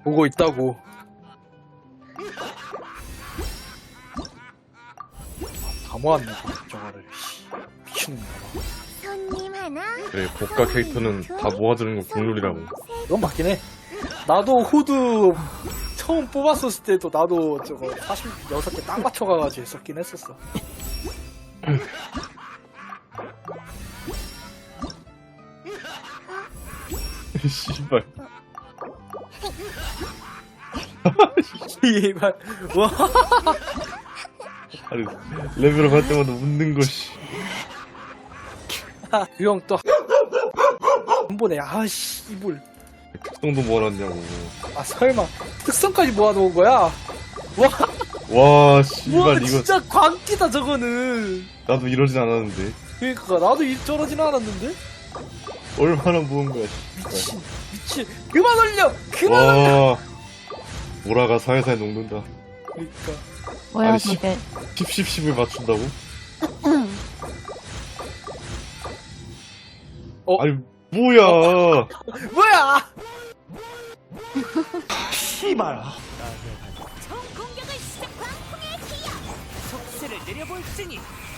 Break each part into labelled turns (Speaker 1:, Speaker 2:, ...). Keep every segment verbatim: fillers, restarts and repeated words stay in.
Speaker 1: 보고 있다고. 다 모았네 저거를. 미친놈아.
Speaker 2: 손님 하나.
Speaker 3: 그래, 고가 캐릭터는 다 모아주는 건 국룰이라고.
Speaker 1: 그건 맞긴 해. 나도 후드 처음 뽑았었을 때도 나도 저거 사십육 개 딱 맞춰가가지고 했었긴 했었어.
Speaker 3: 씨발.
Speaker 1: 이발. 와.
Speaker 3: 아니, 레벨업 할 때마다 웃는 거, 씨.
Speaker 1: 그 형 또 한 번에 아씨 이불.
Speaker 3: 특성도 모아놨냐고.
Speaker 1: 아 설마 특성까지 모아놓은 거야? 와.
Speaker 3: 와,
Speaker 1: 와
Speaker 3: 씨발, 이거.
Speaker 1: 진짜 광기다 저거는.
Speaker 3: 나도 이러진 않았는데.
Speaker 1: 그러니까 나도 이 저러진 않았는데.
Speaker 3: 얼마나 모은 거야,
Speaker 1: 미친
Speaker 3: 씨발.
Speaker 1: 미친. 그만 올려. 그만 올려.
Speaker 3: 와. 보라가 살살 녹는다.
Speaker 1: 그러니까.
Speaker 4: 뭐야
Speaker 3: 아니, 씨.
Speaker 4: 저게.
Speaker 3: 십, 십, 십을 맞춘다고?
Speaker 1: 어?
Speaker 3: 아니, 뭐야.
Speaker 1: 뭐야? 씨발.
Speaker 2: 총 공격을 시작. 광풍의 기여.
Speaker 5: 속세를 내려볼지니.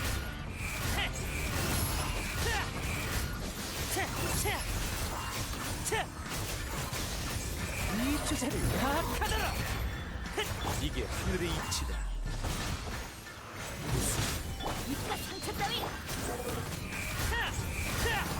Speaker 5: 이 주제를 파악하더라. 이게 하늘의 이치다.
Speaker 2: 입가 상처 따위.